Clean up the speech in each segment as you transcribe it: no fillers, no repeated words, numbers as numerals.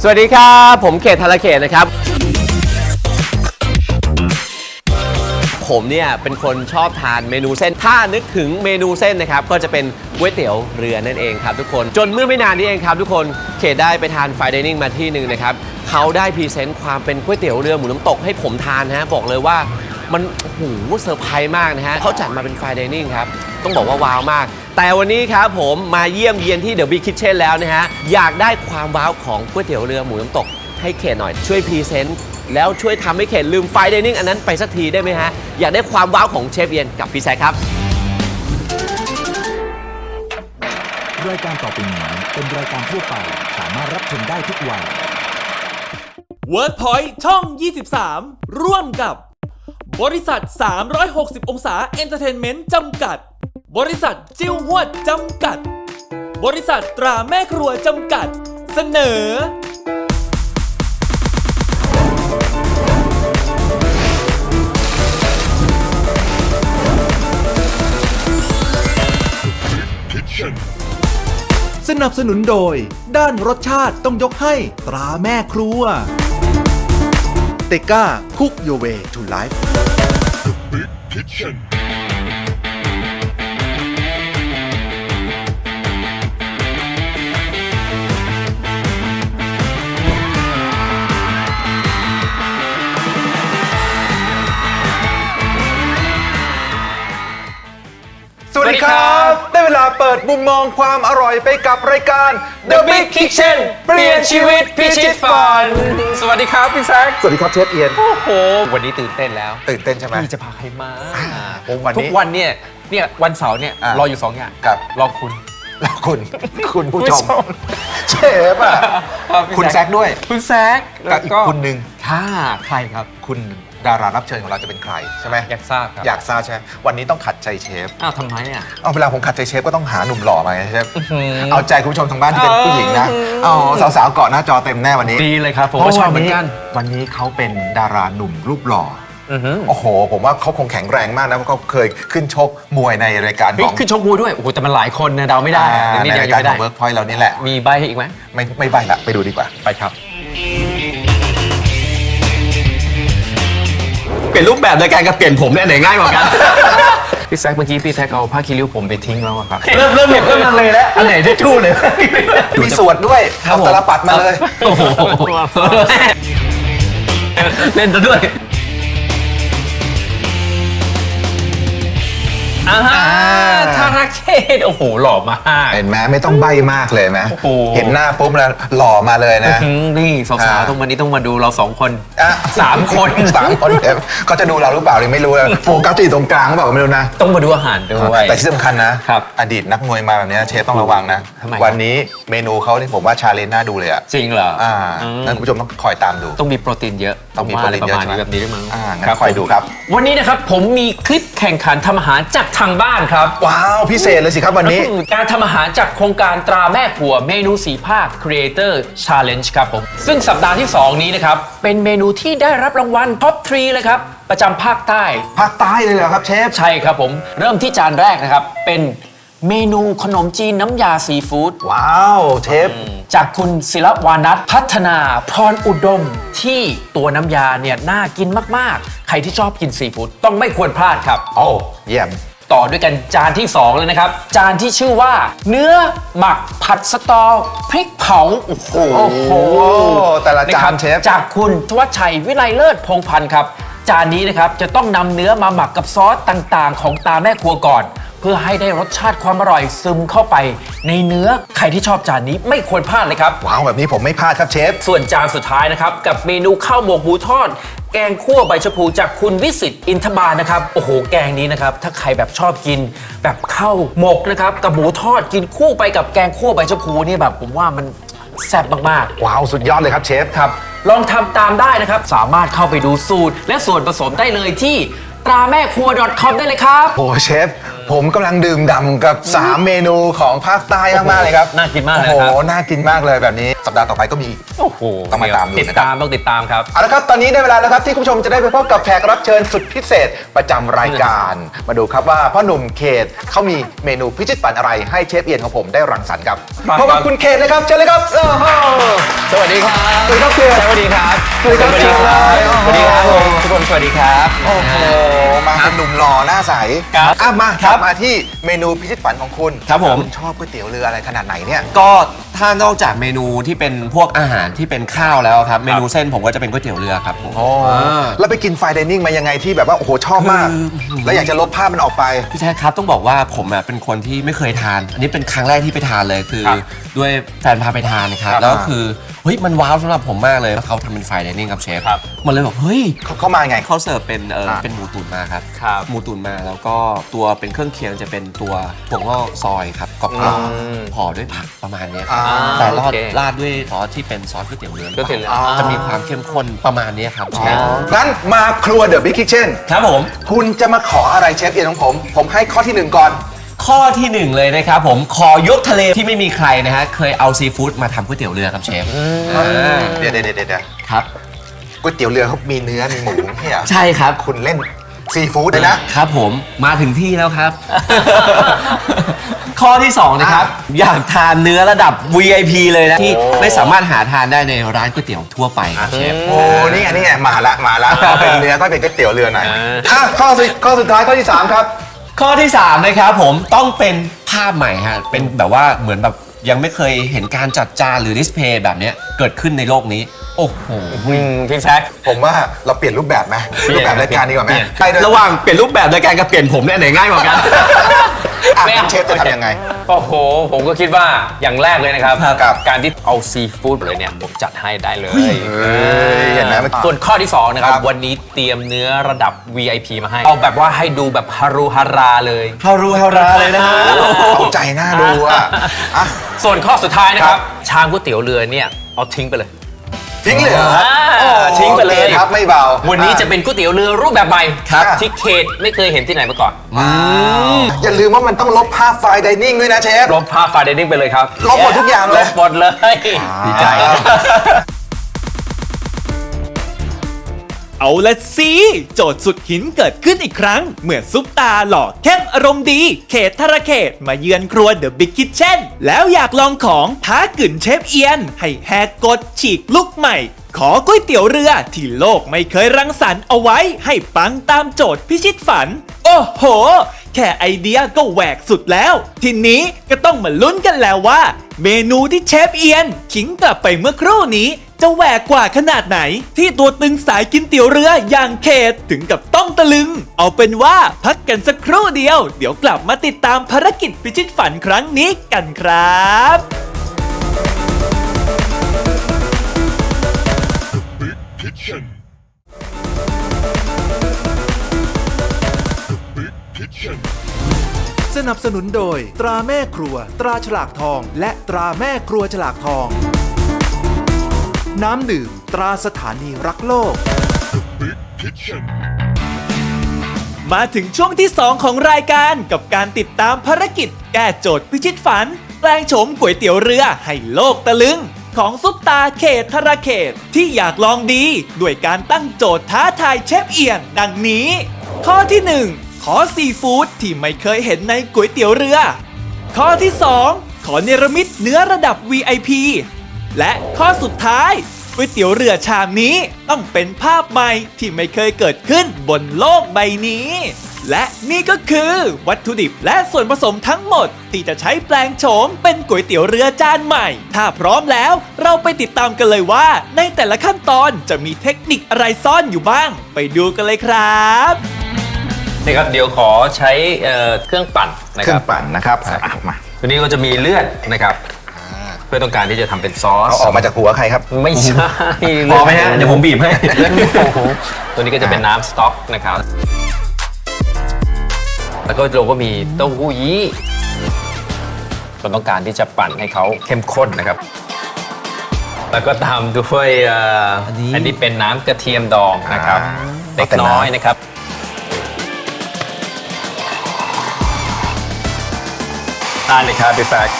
สวัสดีครับผมเขตธารเขตนะครับผมเนี่ยเป็นคนชอบทานเมนูเส้นถ้านึกถึงเมนูเส้นนะครับก็จะเป็นก๋วยเตี๋ยวเรือนั่นเองครับทุกคนจนเมื่อไม่นานนี้เองครับทุกคนเขตได้ไปทานไฟน์ไดนิ่งมาที่หนึ่งนะครับเขาได้พรีเซนต์ความเป็นก๋วยเตี๋ยวเรือหมูน้ำตกให้ผมทานนะฮะบอกเลยว่ามันโอ้โหเซอร์ไพรส์มากนะฮะเขาจัดมาเป็นไฟน์ไดนิ่งครับต้องบอกว่าว้าวมากแต่วันนี้ครับผมมาเยี่ยมเยียนที่เดอะบิ๊กคิทเช่นแล้วนะฮะอยากได้ความว้าวของก๋วยเตี๋ยวเรือหมูน้ำตกให้เขตหน่อยช่วยพรีเซนต์แล้วช่วยทำให้เขตลืมไฟน์ไดนิ่งอันนั้นไปสักทีได้ไหมฮะอยากได้ความว้าวของเชฟเอียนกับพี่แซคครับรายการต่อไปนี้เป็นรายการทั่วไปสามารถรับชมได้ทุกวัย WordPoint ช่อง 23 ร่วมกับบริษัท 360 องศาเอนเตอร์เทนเมนต์จำกัดบริษัทจิ้วหวดจำกัดบริษัทตราแม่ครัวจำกัดเสนอสนับสนุนโดยด้านรสชาติต้องยกให้ตราแม่ครัวเตก้าคุกโยเวทูไลฟ์สวัสดีครับ ได้เวลาเปิดมุมมองความอร่อยไปกับรายการ The Big Kitchen เปลี่ยนชีวิตพิชิตฝันสวัสดีครับพี่แซคสวัสดีครับเชฟเอียนโอ้โหวันนี้ตื่นเต้นแล้วตื่นเต้นใช่ไหมพี่จะพาใครมาผมวันนี้ทุกวันเนี่ยวันเสาร์เนี่ยอ่ะรออยู่2อย่างกับรอคุณแล้วคุณผู้ชมผู้ชมเชฟอ่ะ คุณแซคด้วยคุณแซคกับอีกคุณหนึ่งค่ะใครครับคุณดารารับเชิญของเราจะเป็นใครใช่ไหมอยากทราบครับอยากทราบใช่ไหมวันนี้ต้องขัดใจเชฟอ้าวทำไมอ่ะเอาเวลาผมขัดใจเชฟก็ต้องหาหนุ่มหล่อมาไงเชฟเอาใจคุณผู้ชมทางบ้านที่เป็นผู้หญิงนะเอาสาวๆเกาะหน้าจอเต็มแน่วันนี้ดีเลยครับผมก็ชอบเหมือนกันวันนี้เขาเป็นดาราหนุ่มรูปหล่ออือหือโอ้โห ผมว่าเขาคงแข็งแรงมากนะเพราะเขาเคยขึ้นชกมวยในรายการของขึ้นชกมวยด้วยโอ้โหแต่มันหลายคนนะเดาไม่ได้ในรายการของ Workpoint เรานี่แหละมีใบให้อีกไหมไม่ใบละไปดูดีกว่าไปครับเปลี่ยนรูปแบบในการกับเปลี่ยนผมเนี่ยไหนง่ายกว่ากัน พี่แซคเมื่อกี้พี่แซคเอาผ้าคีริ้วผมไปทิ้งแล้วอะครับเริ่มเห็นก็มันเลยแล้วอันไหนที่ชู้เลยมีสวดด้วยครับเอาผมตาลปัดมาเลยโอ้โหเล่นซะด้วยธารเขตโอ้โหหล่อมากเห็นไหมไม่ต้องใบมากเลยไหมโอ้โหเห็นหน้าปุ๊บแล้วหล่อมาเลยนะนี่สาวๆตรงวันนี้ต้องมาดูเรา2 คนอ่ะ 3 คน 3 คนเดี๋ยวเขาจะดูเราหรือเปล่าเลยไม่รู้นะโฟกัสที่ตรงกลางหรือเปล่าก็ไม่รู้นะต้องมาดูอาหารด้วยแต่ที่สำคัญนะครับ อดีตนักมวยมาแบบนี้เชฟต้องระวังนะทำไมวันนี้เมนูเขาที่ผมว่าชาเลนจ์น่าดูเลยอ่ะจริงเหรอนั่นคุณผู้ชมต้องคอยตามดูต้องมีโปรตีนเยอะต้องมีโปรตีนเยอะประมาณนี้ใช่ไหมแบบนี้ด้วยมั้งงั้นคอยดูครับวันนี้นะครับผมมีคลิปแข่งขันทำอาหารจากทางบ้านครับว้าวพิเศษเลยสิครับวันนี้การทำอาหารจากโครงการตราแม่ครัวเมนู4ภาค Creator Challenge ครับผมซึ่งสัปดาห์ที่ 2 นี้นะครับเป็นเมนูที่ได้รับรางวัลท็อป 3 เลยครับประจำภาคใต้ภาคใต้เลยเหรอครับเชฟใช่ครับผมเริ่มที่จานแรกนะครับเป็นเมนูขนมจีนน้ำยาซีฟู้ดว้าวเชฟจากคุณศิลวานัทพัฒนาพรอุดมที่ตัวน้ำยาเนี่ยน่ากินมากๆ ใครที่ชอบกินซีฟู้ดต้องไม่ควรพลาดครับโอ้เยี่ยมต่อด้วยกันจานที่ 2 เลยนะครับ จานที่ชื่อว่า เนื้อหมักผัดสตอพริกเผา โอ้โหแต่ละจานครับเชฟจากคุณทวัชชัยวิไลเลิศพงษ์พันธ์ครับ จานนี้นะครับจะต้องนำเนื้อมาหมักกับซอสต่างๆ ของตาแม่ครัวก่อน เพื่อให้ได้รสชาติความอร่อยซึมเข้าไป ในเนื้อใครที่ชอบจานนี้ไม่ควรพลาดเลยครับว้าวแบบนี้ผมไม่พลาดครับเชฟส่วนจานสุดท้ายนะครับกับเมนูข้าวหมกหมูทอด แกงคั่วใบชะพูจากคุณวิสิตอินทบาลนะครับโอ้โหแกงนี้นะครับถ้าใครแบบชอบกินแบบข้าวหมกนะครับกับหมูทอดกินคู่ไปกับแกงคั่วใบชะพูนี่แบบผมว่ามันแซ่บมากๆว้าวสุดยอดเลยครับเชฟครับลองทำตามได้นะครับสามารถเข้าไปดูสูตรและส่วนผสมได้เลยที่ตราแม่ครัว .com ได้เลยครับโอ้เชฟผมกำลังดื่มด่ำกับ 3 เมนูของภาคใต้มากๆเลยครับน่ากินมากเลยโอ้ครับโหน่ากินมากเลยแบบนี้สัปดาห์ต่อไปก็มีโอ้โหต้องมาตามดูติดนะครับตามต้องติดตามครับเอาละครับตอนนี้ได้เวลาแล้วครับที่คุณผู้ชมจะได้ไปพบกับแขกรับเชิญสุดพิเศษประจำรายการ มาดูครับว่าพ่อหนุ่มเขตเขามีเมนูพิชิตฝันอะไรให้เชฟเอียนของผมได้รังสรรค์ครับครับพบกับคุณเขตเลยครับเชิญเลยครับโอ้โหสวัสดีครับสวัสดีครับเขตสวัสดีครับสวัสดีครับสวัสดีครับผมทุกคนสวัสดีครับโอ้โหมาเป็นหนุ่มหล่อหน้าใสครับอ่ะมาครับมาที่เมนูพิชิตฝันของคุณครับผมณชอบก๋วยเตี๋ยวเรืออะไรขนาดไหนเนี่ยก็ถ้านอกจากเมนูที่เป็นพวกอาหารที่เป็นข้าวแล้วครับ เมนูเส้นผมก็จะเป็นก๋วยเตี๋ยวเรือครับผมแล้วไปกินไฟน์ไดนิ่งมายังไงที่แบบว่าโอ้โหชอบมาก แล้วอยากจะลบภาพมันออกไปพี่แจ๊คครับต้องบอกว่าผมอ่ะเป็นคนที่ไม่เคยทาน อันนี้เป็นครั้งแรกที่ไปทานเลยคือครับด้วยแฟนพาไปทานนะครับครับแล้วคือเฮ้ยมันว้าวสำหรับผมมากเลยแล้วเขาทำเป็นไฟน์ไดนิ่งครับเชฟครับมันเลยบอกเฮ้ยเข้ามาไงเขาเสิร์ฟเป็นเป็นหมูตุ๋นมาครับครับหมูตุ๋นมาแล้วก็ตัวเป็นเครื่องเคียงจะเป็นตัวถั่วงอกซอยครับกรอบอืมๆห่อด้วยผักประมาณเนี้ยครับอ่าแต่ราดโอเคราดด้วยซอสที่เป็นซอสก๋วยเตี๋ยวเรือก๋วยเตี๋ยวเรือจะมีความเข้มข้นประมาณเนี้ยครับเชฟงั้นมาครัวเดอะบิ๊กคิทเช่นครับผมคุณจะมาขออะไรเชฟเอียนของผม ผมให้ข้อที่หนึ่งก่อนข้อที่หนึ่งเลยนะครับผมขอยกทะเลที่ไม่มีใครนะฮะเคยเอาซีฟู้ดมาทำก๋วยเตี๋ยวเรือครับเชฟเดี๋ยวครับก๋วยเตี๋ยวเรือเขามีเนื้อมีหมูไม่ใช่เหรอใช่ครับคุณเล่นซีฟู้ดเลยนะครับผมมาถึงที่แล้วครับ ข้อที่ 2 นะครับ อยากทานเนื้อระดับ VIP เลยนะ ที่ไม่สามารถหาทานได้ในร้านก๋วยเตี๋ยวทั่วไปครับเชฟโอ้นี่ไงมาละก็เป็นเนื้อก็เป็นก๋วยเตี๋ยวเรือหน่อยอ่าข้อสุดท้ายข้อที่ 3 ครับข้อที่ 3 นะครับผมต้องเป็นภาพใหม่ฮะเป็นแบบว่าเหมือนแบบยังไม่เคยเห็นการจัดจานหรือดิสเพลย์แบบเนี้ยเกิดขึ้นในโลกนี้ โอ้โหพี่แซคผมว่าเราเปลี่ยนรูปแบบไหมรูปแบบรายการดีกว่าไหมเปลี่ยนใครเดินระหว่างเปลี่ยนรูปแบบรายการกับเปลี่ยนผมเนี่ยไหนง่ายกว่ากันอ่ะไม่เอาเชฟจะทำยังไงโอ้โห ผมก็คิดว่าอย่างแรกเลยนะครับครับการที่เอาซีฟู้ดเลยเนี่ย ผมจัดให้ได้เลยเห็นไหมเมื่อกี้ส่วนข้อที่ 2 นะครับครับวันนี้เตรียมเนื้อระดับ VIP มาให้ เอาแบบว่าให้ดูแบบฮารุฮาราเลยฮารูฮาราเลยนะฮะเอาใจหน้าดูอ่ะอ่ะส่วนข้อสุดท้ายนะคครัรับ บ ชามก๋วยเตี๋ยวเรือเนี่ย เอาทิ้งไปเลยทิ้งเลยเหรออ่าทิ้งไปเลยโอคครับไม่เบาวันนี้จะเป็นก๋วยเตี๋ยวเรือรูปแบบใหม่ครับที่เขตไม่เคยเห็นที่ไหนมาก่อนอย่าลืมว่ามันต้องลบภาพไฟล์ไดนิ่งด้วยนะเชฟลบภาพไฟล์ไดนิ่งไปเลยครับลบหมดทุกอย่างเลยลบหมดเลยดีใจเอาละสิโจทย์สุดหินเกิดขึ้นอีกครั้ง เมื่อซุปตาหล่อเข้มอารมณ์ดี เขตธารเขตมาเยือนครัวเดอะบิ๊กคิทเช่นแล้วอยากลองของท้ากึ่นเชฟเอียน ให้แหกกฎฉีกลุกใหม่ ขอก๋วยเตี๋ยวเรือที่โลกไม่เคยรังสรรค์เอาไว้ให้ปังตามโจทย์พิชิตฝัน โอ้โห แค่ไอเดียก็แหวกสุดแล้ว ทีนี้ก็ต้องมาลุ้นกันแล้วว่า เมนูที่เชฟเอียนขิงกลับไปเมื่อครู่นี้ จะแหวกกว่าขนาดไหน ที่ตัวตึงสายกินเตี๋ยวเรืออย่างเขตถึงกับต้องตะลึง เอาเป็นว่าพักกันสักครู่เดียว เดี๋ยวกลับมาติดตามภารกิจพิชิตฝันครั้งนี้กันครับสนับสนุนโดย ตราแม่ครัว ตราฉลากทอง และตราแม่ครัวฉลากทอง น้ำดื่ม ตราสถานีรักโลกมาถึงช่วงที่ 2 ของรายการกับการติดตามภารกิจ แก้โจทย์พิชิตฝัน แปลงโฉมก๋วยเตี๋ยวเรือให้โลกตะลึง ของซุปตาเขตธารเขตที่อยากลองดี ด้วยการตั้งโจทย์ท้าทายเชฟเอียนดังนี้ ข้อที่ 1 ขอซีฟู้ดที่ไม่เคยเห็นในก๋วยเตี๋ยวเรือ ข้อที่ 2 ขอเนรมิตเนื้อระดับ VIP และข้อสุดท้ายก๋วยเตี๋ยวเรือชามนี้ต้องเป็นภาพใหม่ที่ไม่เคยเกิดขึ้นบนโลกใบนี้ และนี่ก็คือวัตถุดิบและส่วนผสมทั้งหมดที่จะใช้แปลงโฉมเป็นก๋วยเตี๋ยวเรือจานใหม่ ถ้าพร้อมแล้วเราไปติดตามกันเลยว่า ในแต่ละขั้นตอนจะมีเทคนิคอะไรซ่อนอยู่บ้าง ไปดูกันเลยครับนี่ครับ เดี๋ยวขอใช้เครื่องปั่นนะเคครื่อรังบปั่นนะครับมาตัวนี้ก็จะมีเลือดนะครับ เพื่อต้องการที่จะทำเป็นซอสเอาออกมาจากหัวใครครับไม่ใช่พอไหมฮะเดี๋ยวผมบีบให้เลือดหมูตัวนี้ก็จะเป็นน้ำสต๊อกนะครับ แล้วก็เราก็มีเต้าหู้ยี้เราต้องการที่จะปั่นให้เขาเข้มข้นนะครับ แล้วก็ตามด้วยอันนี้เป็นน้ำกระเทียมดองนะครับอ่าเล็กน้อยนะครับได้เลยครับพี่แซค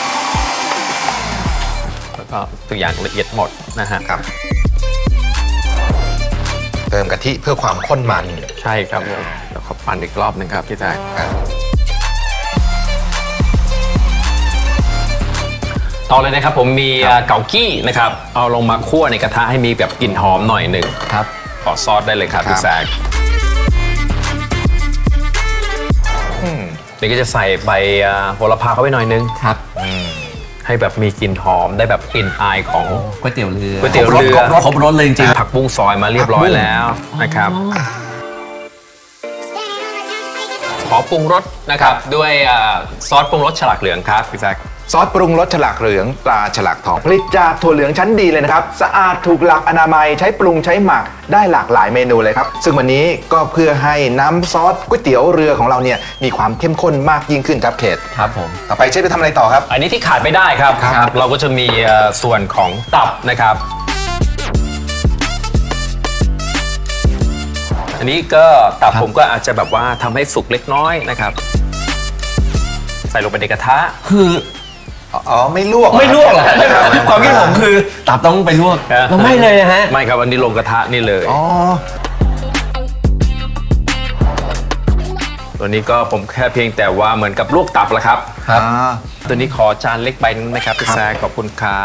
แล้วก็ทุกอย่างละเอียดหมดนะฮะครับ เติมกะทิเพื่อความข้นมันใช่ครับผมแล้วก็ปั่นอีกรอบหนึ่งครับพี่แซคครับต่อเลยนะครับผมมีเกากี้นะครับเอาลงมาคั่วในกระทะให้มีแบบกลิ่นหอมหน่อยหนึ่งครับขอซอสได้เลยครับพี่แซคอืมเดี๋ยวก็จะใส่ใบโหระพาเข้าไปหน่อยนึงครับให้แบบมีกลิ่นหอมได้แบบกลิ่นอายของก๋วยเตี๋ยวเรือก๋วยเตี๋ยวเรือครบรสเลยจริงผักบุ้งซอยมาเรียบร้อยแล้วนะครับ ขอปรุงรสนะครับด้วยซอสปรุงรสฉลากเหลืองครับพี่แซคซอสปรุงรสฉลากเหลืองตราฉลากทองผลิตจากถั่วเหลืองชั้นดีเลยนะครับสะอาดถูกหลักอนามัยใช้ปรุงใช้หมักได้หลากหลายเมนูเลยครับซึ่งวันนี้ก็เพื่อให้น้ำซอสก๋วยเตี๋ยวเรือของเราเนี่ยมีความเข้มข้นมากยิ่งขึ้นครับเขตครับผมต่อไปเชฟจะทำอะไรต่อครับอันนี้ที่ขาดไม่ได้ครับครับเราก็จะมีส่วนของตับนะครับ อันนี้ก็ตับผมก็อาจจะแบบว่าทำให้สุกเล็กน้อยนะครับ ใส่ลงไปในกระทะคืออ๋อไม่ลวกไม่ลวกเหรอความคิดผมคือตับต้องไปลวกเราไม่เลยนะฮะไม่ครับอันนี้ลงกระทะนี่เลยอ๋อตัวนี้ก็ผมแค่เพียงแต่ว่าเหมือนกับลวกตับแหละครับครับอ่าตัวนี้ขอจานเล็กใบนึงนะครับพี่แซคขอบคุณครับ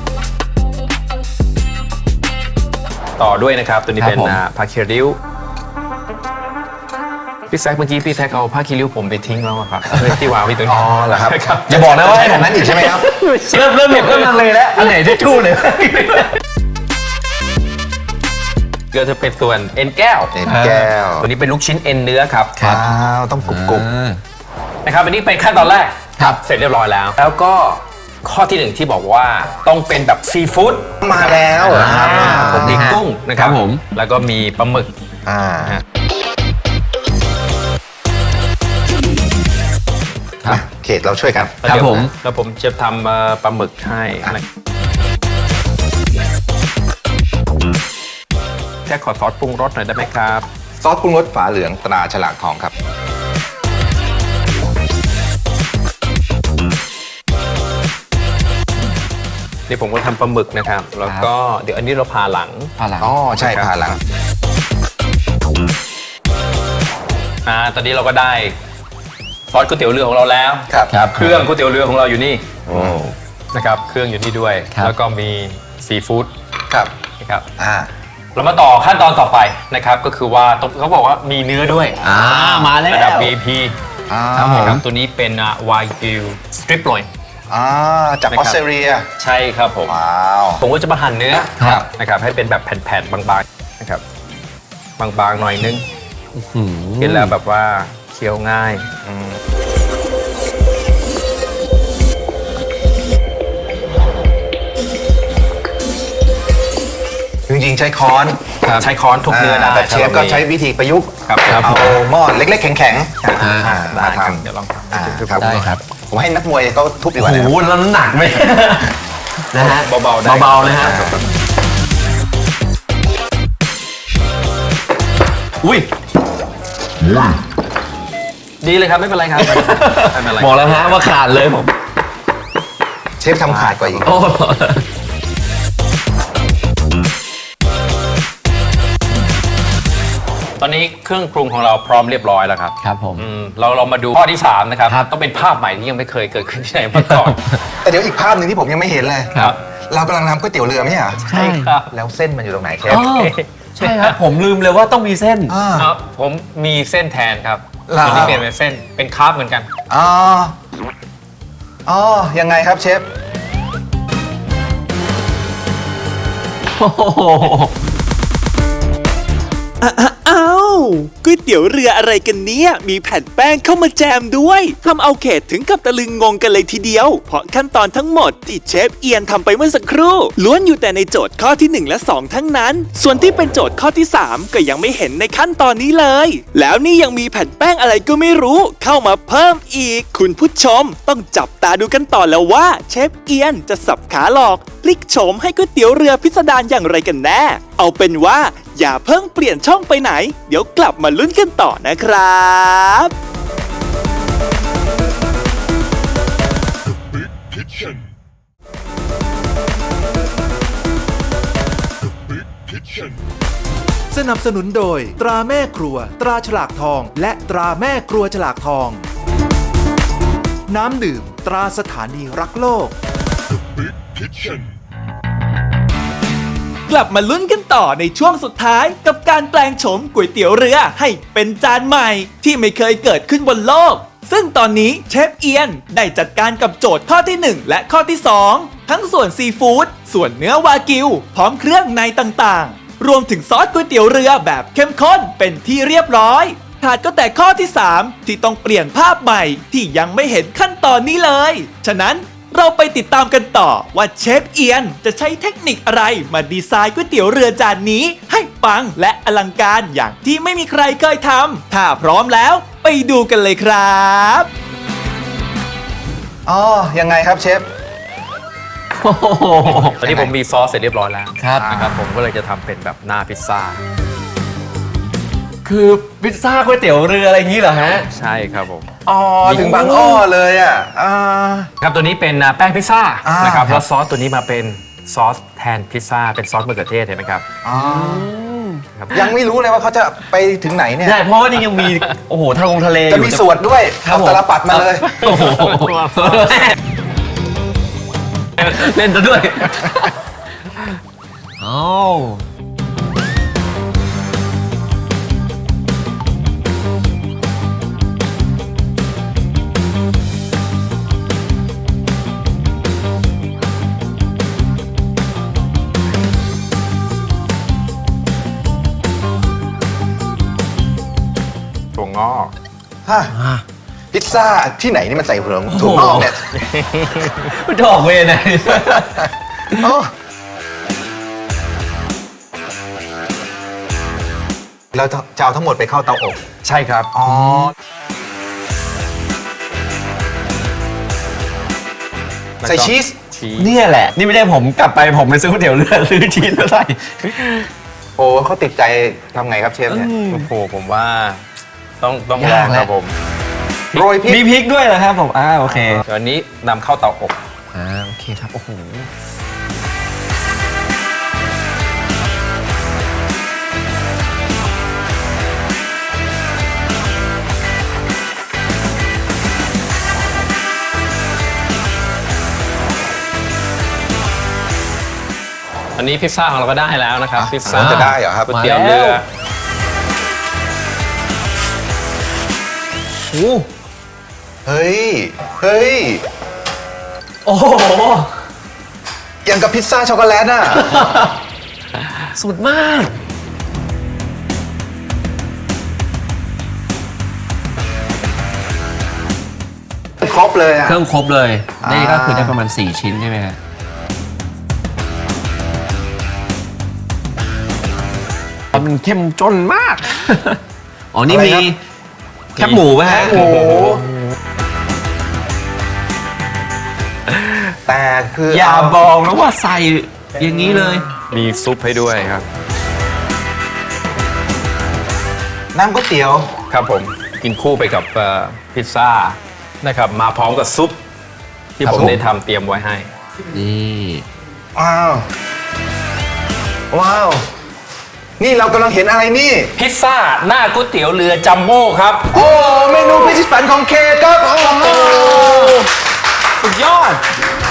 ต่อด้วยนะครับ ตัวนี้เป็นครับผมผ้าคีริ้วพี่แซคเมื่อกี้พี่แซคเอาผ้าคีริ้วผมไปทิ้งแล้วอะครับที่วางไว้ตรงนี้อ๋อเหรอครับครับอย่าบอกนะว่าใช่แบบนั้นอีกใช่ไหมครับเริ่มเห็นก็ลังเลยแล้วอันไหนที่ชู้เลยก็จะเป็นส่วนเอ็นแก้วเอ็นแก้วตัวนี้เป็นลูกชิ้นเอ็นเนื้อครับว้าวต้องกรุบนะครับอันนี้เป็นขั้นตอนแรกครับเสร็จเรียบร้อยแล้ว แล้วก็ข้อที่หนึ่งที่บอกว่าต้องเป็นแบบซีฟู้ดๆมาแล้วผมมีกุ้งนะครับครับผมแล้วก็มีปลาหมึกอ่าครับเขตเราช่วยกันครับผมแล้วผมจะทำปลาหมึกให้นะแค่ขอซอสปรุงรสหน่อยได้ไหมครับซอสปรุงรสฝาเหลืองตราฉลากทองครับนี่ผมก็ทำปลาหมึกนะครับ แล้วก็เดี๋ยวอันนี้เราผ่าหลังผ่าหลังอ๋อ ใช่ครับผ่าหลังตอนนี้เราก็ได้ซอสก๋วยเตี๋ยวเรือของเราแล้วครับครับเครื่องก๋วยเตี๋ยวเรือของเราอยู่นี่นะครับ เครื่องอยู่นี่ด้วยครับแล้วก็มีซีฟู้ดครับนะครับอ่าเรามาต่อขั้นตอนต่อไปนะครับ ก็คือว่าเขาบอกว่ามีเนื้อด้วยมาแล้วระดับ VIP อ่าครับผมนะครับตัวนี้เป็นวายกิวสตริปลอยอ่า จากนะอครัอบ สเตรเลียใช่ครับผมว้าวผมก็จะมาหั่นเนื้อครับนะครับให้เป็นแบบแผ่นๆ บางๆนะครับบางๆหน่อยนึงอืมกินแล้วแบบว่าเคี้ยวง่ายจริงๆ ใช้ค้อนใช้ค้อนทุกเนื้อได้แต่เชฟก็ใช้วิธีประยุกต์ครับเอาหม้อเล็กๆ แข็งๆอ่าได้มาครับทำเดี๋ยวลองทำอ่าให้ดูครับได้ครับผมให้นักมวยเขาทุบดีกโอ้ว่าโหนะครับแล้วน้ำหนักไหม นะฮะเบาๆได้เบาๆนะฮะ อุ้ยดีเลยครับไม่เป็นไรครับไม่เป็นไรบอกแล้วฮะว่าขาดเลยผมเชฟทำขาดกว่าอีกโอ้ตอนนี้เครื่องปรุงของเราพร้อมเรียบร้อยแล้วครับครับผมเรามาดูข้อที่ 3 นะครับครับต้องเป็นภาพใหม่ที่ยังไม่เคยเกิดขึ้นที่ไหนมาก่อนแต่เดี๋ยวอีกภาพหนึ่งที่ผมยังไม่เห็นเลยครับเรากำลังทำก๋วยเตี๋ยวเรือไหมอ่ะใช่ครับแล้วเส้นมันอยู่ตรงไหนเชฟอ๋อใช่ครับ ผมลืมเลยว่าต้องมีเส้นอ่าครับผมมีเส้นแทนครับเหรอตัวนี้เปลี่ยนเป็นเส้นเป็นคาร์บเหมือนกันอ๋อ อ๋อ ยังไงครับเชฟโอ้โหอ้าวก๋วยเตี๋ยวเรืออะไรกันเนี่ย มีแผ่นแป้งเข้ามาแจมด้วยทำเอาเขตถึงกับตะลึงงงกันเลยทีเดียว เพราะขั้นตอนทั้งหมดที่เชฟเอียนทำไปเมื่อสักครู่ ล้วนอยู่แต่ในโจทย์ข้อที่ 1 และ 2 ทั้งนั้น ส่วนที่เป็นโจทย์ข้อที่ 3 ก็ยังไม่เห็นในขั้นตอนนี้เลย แล้วนี่ยังมีแผ่นแป้งอะไรก็ไม่รู้ เข้ามาเพิ่มอีก คุณผู้ชมต้องจับตาดูกันต่อแล้วว่าเชฟเอียนจะสับขาหลอกพลิกโฉมให้ก๋วยเตี๋ยวเรือพิสดารอย่างไรกันแน่ เอาเป็นว่าอย่าเพิ่งเปลี่ยนช่องไปไหน เดี๋ยวกลับมาลุ้นกันต่อนะครับสนับสนุนโดยตราแม่ครัว ตราฉลากทอง และตราแม่ครัวฉลากทอง น้ำดื่ม ตราสถานีรักโลกกลับมาลุ้นกันต่อในช่วงสุดท้ายกับการแปลงโฉมก๋วยเตี๋ยวเรือให้เป็นจานใหม่ที่ไม่เคยเกิดขึ้นบนโลก ซึ่งตอนนี้เชฟเอียนได้จัดการกับโจทย์ข้อที่ 1 และข้อที่ 2 ทั้งส่วนซีฟู้ดส่วนเนื้อวากิว พร้อมเครื่องในต่างๆ รวมถึงซอสก๋วยเตี๋ยวเรือแบบเข้มข้นเป็นที่เรียบร้อยขาดก็แต่ข้อที่ 3 ที่ต้องเปลี่ยนภาพใหม่ที่ยังไม่เห็นขั้นตอนนี้เลย ฉะนั้นเราไปติดตามกันต่อว่าเชฟเอียนจะใช้เทคนิคอะไรมาดีไซน์ก๋วยเตี๋ยวเรือจานนี้ให้ปังและอลังการอย่างที่ไม่มีใครเคยทำถ้าพร้อมแล้วไปดูกันเลยครับอ๋อ ยังไงครับเชฟตอนนี้ผมมีซอสเสร็จเรียบร้อยแล้วครับนะครับผมก็เลยจะทำเป็นแบบหน้าพิซซ่าคือพิซซ่าก๋วยเตี๋ยวเรืออะไรอย่างนี้เหรอฮะใช่ครับผมอ๋อ ถึงบางอ้อเลยอ่ะครับตัวนี้เป็นแป้งพิซซ่าอ่านนะครับครับแล้วซอสตัวนี้มาเป็นซอสแทนพิซซ่าเป็นซอสมะเขือเทศเห็นไหมครับอ๋อครับยังไม่รู้เลยว่าเขาจะไปถึงไหนเนี่ยใช่ เพราะว่านี่ยังมี โอ้โหทะเลอจะยู่มีสวดด้วยครับเอาผมตาลปัดมาเลยโอ้โหเล่นซะด้วยอ้าวถั่วงอกฮะ พิซซ่าที่ไหนนี่มันใส่ถั่วงอกเนี่ยมันจะออกเวรไหนอ๋อเราจะเอาทั้งหมดไปเข้าเตาอบใช่ครับอ๋อแล้วก็ใส่ชีสชีสเนี่ยแหละ นี่ไม่ได้ผมกลับไปผมไปซื้อก๋วยเตี๋ยวเรือซื้อชีสมาใส่โอ้เขาติดใจทำไงครับเชฟเนี่ยโอ้โหผมว่าต้องลองยากคแหละรับผมโรยพริกมีพริกด้วยเหรอครับผมโอเคตอนนี้นำเข้าเตาอบโอเคครับ โอ้โหอันนี้พิซซ่าของเราก็ได้แล้วนะครับพิซซ่าจะได้เหรอครับก๋วยเตี๋ยวเรือมาแล้ว โอ้เฮ้ย เฮ้ยโอ้โหอย่างกับพิซซ่าช็อกโกแลตอ่ะสุดมากครบเลยอ่ะเครื่องครบเลย นี่ก็อ่าคือได้ประมาณ 4 ชิ้นใช่ไหมฮะมันเข้มจนมาก อ๋อ นี่มีแคบหมูไหมฮะโอ้โห แต่คืออย่าบอกนะว่าใส่อย่างนี้เลยมีซุปให้ด้วยครับน้ำก๋วยเตี๋ยวครับผมกินคู่ไปกับพิซซ่านะครับมาพร้อมกับซุปที่ผมได้ทำเตรียมไว้ให้นี่ว้าว ว้าว นี่เรากำลังเห็นอะไรนี่พิซซ่าหน้าก๋วยเตี๋ยวเรือจัมโบ้ครับโอ้เมนูพิชิตฝันของเคครับโอ้โหสุดยอด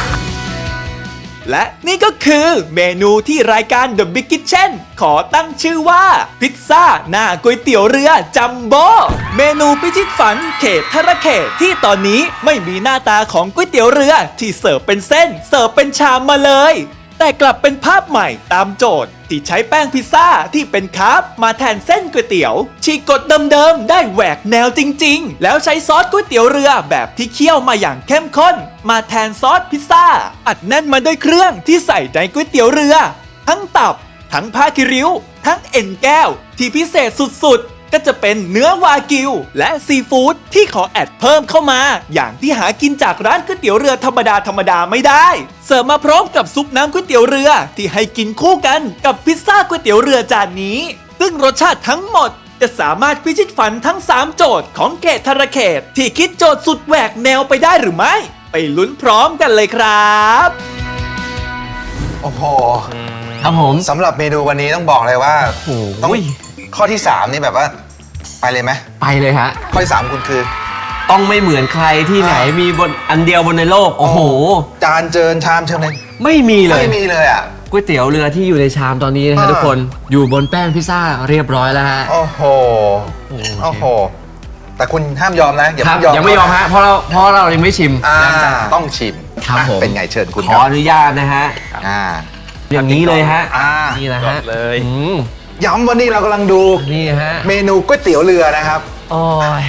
และนี่ก็คือเมนูที่รายการ The Big Kitchen ขอตั้งชื่อว่าพิซซ่าหน้าก๋วยเตี๋ยวเรือจัมโบ้เมนูพิชิตฝันเขตธรเขตที่ตอนนี้ไม่มีหน้าตาของก๋วยเตี๋ยวเรือที่เสิร์ฟเป็นเส้นเสิร์ฟเป็นชามมาเลย แต่กลับเป็นภาพใหม่ตามโจทย์ที่ใช้แป้งพิซซ่าที่เป็นคาร์บมาแทนเส้นก๋วยเตี๋ยวฉีกกฎเดิมๆได้แหวกแนวจริงๆ แล้วใช้ซอสก๋วยเตี๋ยวเรือแบบที่เคี่ยวมาอย่างเข้มข้น มาแทนซอสพิซซ่า อัดแน่นมาด้วยเครื่องที่ใส่ในก๋วยเตี๋ยวเรือ ทั้งตับ ทั้งผ้าคิริ้ว ทั้งเอ็นแก้ว ที่พิเศษสุดๆ ก็จะเป็นเนื้อวากิว และซีฟู้ดที่ขอแอดเพิ่มเข้ามา อย่างที่หากินจากร้านก๋วยเตี๋ยวเรือธรรมดาไม่ได้ เสิร์ฟมาพร้อมกับซุปน้ำก๋วยเตี๋ยวเรือที่ให้กินคู่กันกับพิซซ่าก๋วยเตี๋ยวเรือจานนี้ ซึ่งรสชาติทั้งหมดจะสามารถพิชิตฝันทั้ง 3 โจทย์ของเขตธรเขตที่คิดโจทย์สุดแหวกแนวไปได้หรือไม่ไปลุ้นพร้อมกันเลยครับโอ้โหครับผมสำหรับเมนูวันนี้ต้องบอกเลยว่าโอ้โหต้องข้อที่ 3 นี่แบบว่า ไปเลยไหมไปเลยฮะข้อที่ 3 คุณคือต้องไม่เหมือนใครที่ไหนมีบนอันเดียวบนในโลก โอ้โหจานเจิญชามเชิญเลยไม่มีเลยไม่มีเลยอ่ะก๋วยเตี๋ยวเรือที่อยู่ในชามตอนนี้นะฮะทุกคนอยู่บนแป้งพิซซ่าเรียบร้อยแล้วฮะโอ้โห โอ้โห แต่คุณห้ามยอมนะ อย่าครับเพิ่งยอมยังไม่ยอมฮะเพราะเรายังไม่ชิมอ่าต้องชิมครับอ่ะผมเป็นไงเชิญคุณขคอรับอนุญาตนะฮะอ่าอย่างนี้เลยฮะอ่านี่นะฮะเลยอืมย้ำวันนี้เรากำลังดูนี่ฮะเมนูก๋วยเตี๋ยวเรือนะครับโอ้ย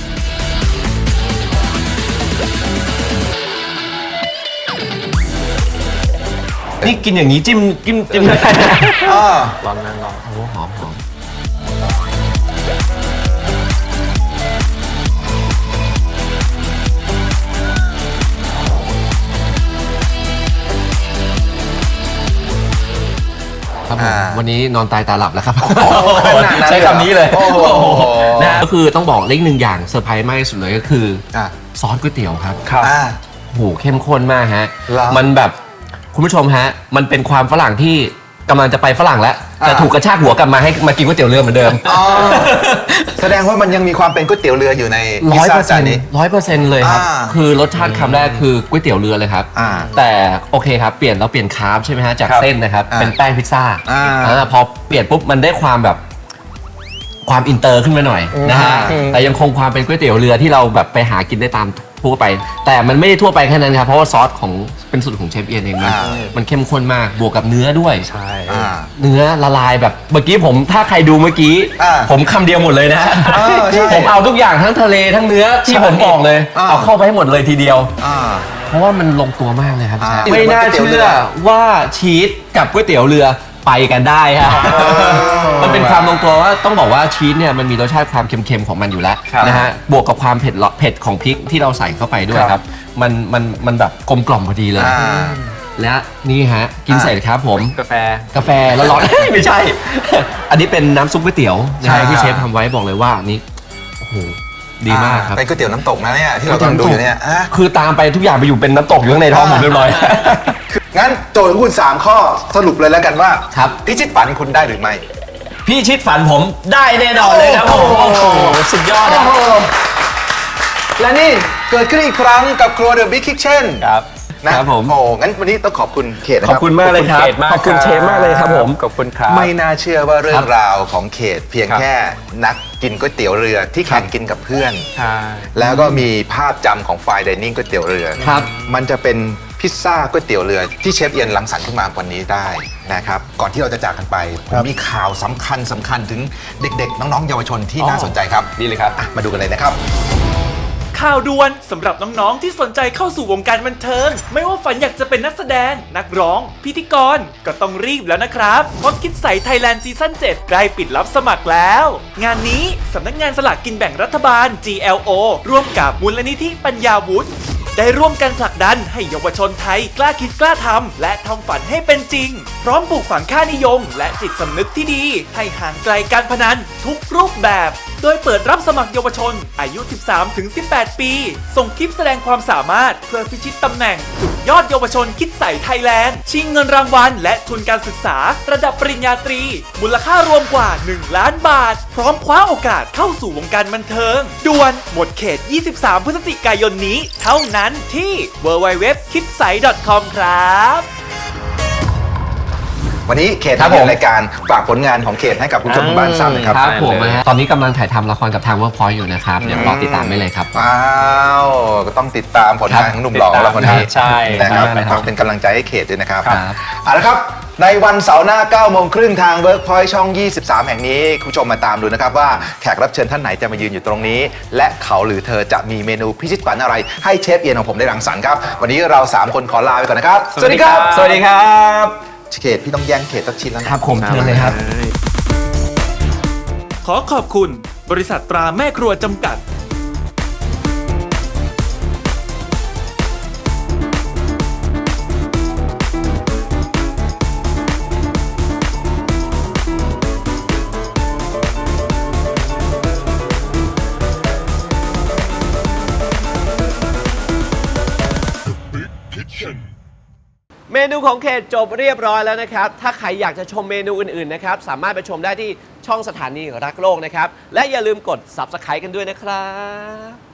นี่กินอย่างนี้จิ้มได้อ่าร้อนนะร้อนโอ้โหหอมครับผมวันนี้นอนตายตาหลับแล้วครับขนาดนั้นเลยเหรอใช้คำนี้เลยโอ้โหนะก็คือต้องบอกเล็กหนึ่งอย่างเซอร์ไพรส์มากที่สุดเลยก็คืออา ซอสก๋วยเตี๋ยวครับอ่าโอ้โหเข้มข้นมากฮะเหรอมันแบบคุณผู้ชมฮะ มันเป็นความฝรั่งที่กำลังจะไปฝรั่งแล้ว แต่อ่าถูกกระชากหัวกลับมาให้มากินก๋วยเตี๋ยวเรือเหมือนเดิมอ๋อแสดงว่ามันยังมีความเป็นก๋วยเตี๋ยวเรืออยู่ในพิซร้อยซ่าเปอร์เซ็จาน นต์นี้ 100%เลยครับอ่าคือรสชาติคำแรกคือก๋วยเตี๋ยวเรือเลยครับอ่าแต่โอเคครับเปลี่ยนเราเปลี่ยนคาร์บใช่ไหมฮะจากครับเส้นนะครับอ่าเป็นแป้งพิซซ่าอ่าพอเปลี่ยนปุ๊บมันได้ความแบบความอินเตอร์ขึ้นมาหน่อยนะฮะอืมแต่ยังคงความเป็นก๋วยเตี๋ยวเรือที่เราแบบไปหากินได้ตามทั่วไป แต่มันไม่ได้ทั่วไปแค่นั้นครับเพราะว่าซอสของเป็นสูตรของเชฟเอียนเองมันเข้มข้นมากบวกกับเนื้อด้วยใช่อ่าเนื้อละลายแบบเมื่อกี้ผมถ้าใครดูเมื่อกี้อ่าผมคำเดียวหมดเลยนะใช่ผมเอาทุกอย่างทั้งทะเลทั้งเนื้อที่ผมบอกเลยอ่าเอาเข้าไปให้หมดเลยทีเดียวอ่าเพราะว่ามันลงตัวมากเลยครับอ่าไม่น่าเชื่อว่าชีสกับก๋วยเตี๋ยวเรือไปกันได้ฮะ มันเป็นความลงตัวว่าต้องบอกว่าชีสเนี่ยมันมีรสชาติความเค็มๆของมันอยู่แล้วครับนะฮะบวกกับความเผ็ดของพริกที่เราใส่เข้าไปด้วยครับมันแบบกลมกล่อมพอดีเลยอ่าและนี่ฮะกินเสร็จครับผมกาแฟกาแฟแล้วร้อน ไม่ใช่ อันนี้เป็นน้ำซุปก๋วยเตี๋ยวนะใช่ฮะที่เชฟทำไว้บอกเลยว่าอันนี้โอ้โหดีมากครับเป็นก๋วยเตี๋ยวน้ำตกนะเนี่ยที่เรากำลังดูอยู่เนี่ยอ่ะคือตามไปทุกอย่างไปอยู่เป็นน้ำตกอยู่ข้างในท้องผมเรียบร้อยงั้นโจทย์ของคุณ 3 ข้อสรุปเลยแล้วกันว่าครับพิชิตฝันคุณได้หรือไม่พี่ชิดฝันผมได้แน่นอนเลยครับผมโอ้โอ้โหโหสุดยอดนะและนี่เกิดขึ้นอีกครั้งกับครัวเดอะบิ๊กคิทเช่นครับนะครับผมโอ้งั้นวันนี้ต้องขอบคุณเขตนะขคอบรับคุณมากเลยครับขอบคุณเขตมากขอบคุณเชฟมากเลยครับผมขอบคุณครับไม่น่าเชื่อว่าเรื่อครังบราวของเขตเพียงครับแค่นักกินก๋วยเตี๋ยวเรือที่แข่งกินกับเพื่อนใช่แล้วก็มีภาพจำของไฟน์ไดนิ่งก๋วยเตี๋ยวเรือครับมันจะเป็นพิซซ่าก๋วยเตี๋ยวเรือที่เชฟเอียนรังสรรค์ขึ้นมาวันนี้ได้นะครับ ก่อนที่เราจะจากกันไปผมมีข่าวสำคัญถึงเด็กๆ น้องๆ เยาวชนที่น่าสนใจครับดีเลยครับอ่ะมาดูกันเลยนะครับข่าวด่วนสำหรับน้องๆที่สนใจเข้าสู่วงการบันเทิง ไม่ว่าฝันอยากจะเป็นนักแสดง นักร้อง พิธีกรก็ต้องรีบแล้วนะครับ เพราะคิดใสไทยแลนด์ซีซั่น7ใกล้ปิดรับสมัครแล้ว งานนี้สำนักงานสลากกินแบ่งรัฐบาล GLO ร่วมกับมูลนิธิปัญญาวุฒิได้ร่วมกันผลักดันให้เยาวชนไทยกล้าคิดกล้าทำและทำฝันให้เป็นจริง พร้อมปลูกฝังค่านิยม และจิตสำนึกที่ดี ให้ห่างไกลการพนันทุกรูปแบบ โดยเปิดรับสมัครเยาวชน อายุ 13-18 ปี ส่งคลิปแสดงความสามารถเพื่อพิชิตตำแหน่งสุดยอดเยาวชนคิดใสไทยแลนด์ชิงเงินรางวัลและทุนการศึกษาระดับปริญญาตรี มูลค่ารวมกว่า 1 ล้านบาท พร้อมคว้าโอกาสเข้าสู่วงการบันเทิงด่วนหมดเขต 23 พฤศจิกายนนี้ เท่านั้นที่ www.kidsai.com ครับวันนี้เขตครับทำผมรายการฝากผลงานของเขตให้กับคุณผู้ชมทางบ้านทราบหนะครับครับผมนะฮะตอนนี้กำลังถ่ายทำละครกับทาง Workpoint อยู่นะครับ เดี๋ยวรอติดตามได้เลยครับว้าวก็ต้องติดตามผลงานของหนุ่มหล่อของเราคนนี้ใช่นะครับใช่ครับฝากเป็นกำลังใจให้เขตด้วยนะครับครับเอาละครับในวันเสาร์หน้า 9 โมงครึ่งทาง Workpoint ช่อง 23 แห่งนี้ คุณผู้ชมมาตามดูนะครับว่าแขกรับเชิญท่านไหนจะมายืนอยู่ตรงนี้ และเขาหรือเธอจะมีเมนูพิชิตฝันอะไร ให้เชฟเอียนของผมได้รังสรรค์ครับ วันนี้เรา 3 คนขอลาไปก่อนนะครับสวัสดีครับสวัสดีครับเขตพี่ต้องแย่งเขตสักชิ้นแล้วนะครับผมเชิญเลยครับขอขอบคุณ บริษัทตราแม่ครัวจำกัดเมนูของเขตจบเรียบร้อยแล้วนะครับถ้าใครอยากจะชมเมนูอื่นๆนะครับสามารถไปชมได้ที่ช่องสถานีรักโลกนะครับและอย่าลืมกด Subscribe กันด้วยนะครับ